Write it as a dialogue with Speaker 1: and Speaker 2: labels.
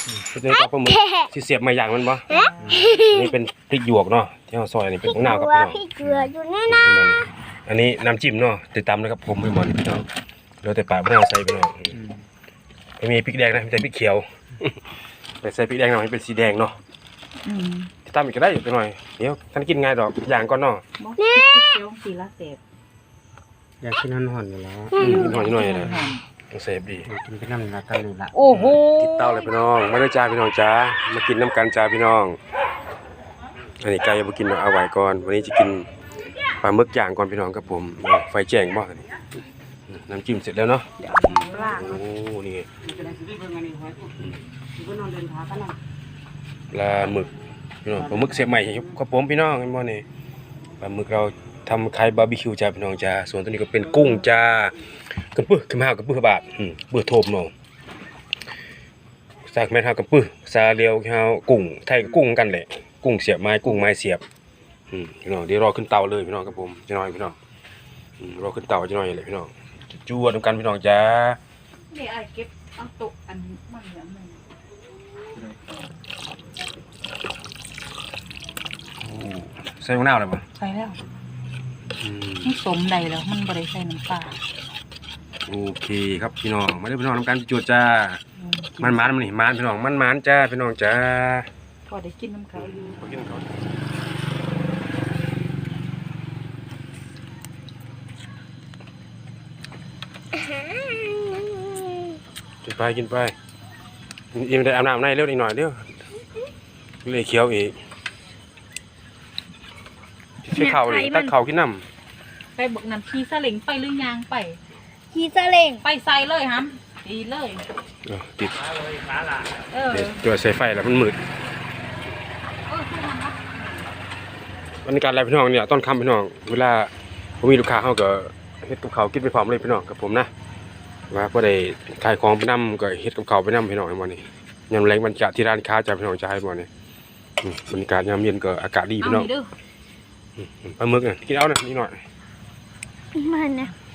Speaker 1: ชุดนี้ก็ปลาหมึกที่เสียบมาอย่างมันบ่นี่เป็นพริกหยวกเนาะที่เราซอยนี่เป็นมะนาวครับพี่น้อง
Speaker 2: พี่เกลืออยู่แน่นะ
Speaker 1: อันนี้น้ำจิ้มเนาะติดตามนะครับผมพี่บอลพี่น้องเราแต่ปากมะนาวใส่พี่น้องไม่มีพริกแดงนะมีแต่พริกเขียวแต่ใส่พริกแดงหน่อยให้เป็นสีแดงเนาะติดตามอีกก็ได้อยู่ไปหน่อยเดี๋ยวท่านกินง่ายดอกอย่างก่อนเนาะ
Speaker 3: เคี้ยวสีละเศษ
Speaker 4: อยากกินห่อนๆอยู่แล้ว
Speaker 1: กินหน่อยหน่อยเลยต้องเสพดี
Speaker 4: กินไปน้ำละตะลุละ
Speaker 3: โอ้โห
Speaker 1: ติดเต้าเลยพี่น้องไม่ได้จ้าพี่น้องจ้ามากินน้ำกันจ้าพี่น้องอันนี้ไก่ยังไม่กินเอาไว้ก่อนวันนี้จะกินปลาหมึกย่างก่อนพี่น้องครับผมไฟแจ้งบ่นี่น้ำจิ้มเสร็จแล้วเนาะโอ้นี่ปลาหมึกพี่น้องปลาหมึกเสียบใหม่ครับผมพี่น้องเห็นบ่นี่ปลาหมึกเราทำคล้ายบาร์บีคิวจ้าพี่น้องจ้าส่วนตัวนี้ก็เป็นกุ้งจ้ากระปื้อกระมากับปื้อบาทเปื้อโทมเนาะซากแม่นเฮากับปื้อซาเลียวเฮากุ้งไทยกับกุ้งกันแหละกุ้งเสียบไม้กุ้งไม้เสียบพี่น้องเดี๋ยวรอขึ้นเตาเลยพี่น้องครับผมจะน้อยพี่น้องรอขึ้นเตาจะน้อยเลยพี่น้องจูดกันพี่น้องจ้า
Speaker 3: นี่ไอ้เก็บเอาโต๊ะอันมันเหลือมัน
Speaker 1: ใส่มะนาวเลยป่ะ
Speaker 3: ใส่แล้วมันสมใดแล้วมันบริใส่น้ำปลา
Speaker 1: โอเคครับพี่น้องมาเด้อพี่น้องทำการจูดจ้ามันนี่มันพี่น้องมันจ้าพี่น้องจ้า
Speaker 3: พอได้กินน้ำเขาอยู่
Speaker 1: มากินเขากินไปกินไปอิ่มได้อาบน้ำในเร็วอีกหน่อยเร็วเลยเคี้ยวอีกใช้เข่าดิตักเข่ากินน้ำ
Speaker 3: ไปบอกน้ำขี้ซาเล็งไปหรือยางไป
Speaker 2: ขี่ซาเล้ง
Speaker 3: ไปใส่เลยฮัมดีเลย
Speaker 1: ติด
Speaker 3: เออ
Speaker 1: เดี๋ยวใส่ไฟแล้วมันมืดบรรยากาศอะไรพี่น้องเนี่ยต้นคำพี่น้องเวลาผมมีลูกค้าเขาก็เฮ็ดกับเขาวกินไปพร้อมเลยพี่น้องกับผมนะว่าพอได้ขายของไปนำก็เฮ็ดกับเขาวไปนำพี่น้องให้หมดนี่ยามแรงบรรยากาศที่ร้านค้าจะพี่น้องจะให้หมดนี่บรรยากาศยามเย็นก็อากาศดี
Speaker 3: เอา
Speaker 1: พี่น้อง
Speaker 3: นี่เด้อ
Speaker 1: ปลาหมึกน่ะกินเอานะนิดหน่อย
Speaker 2: มันนะ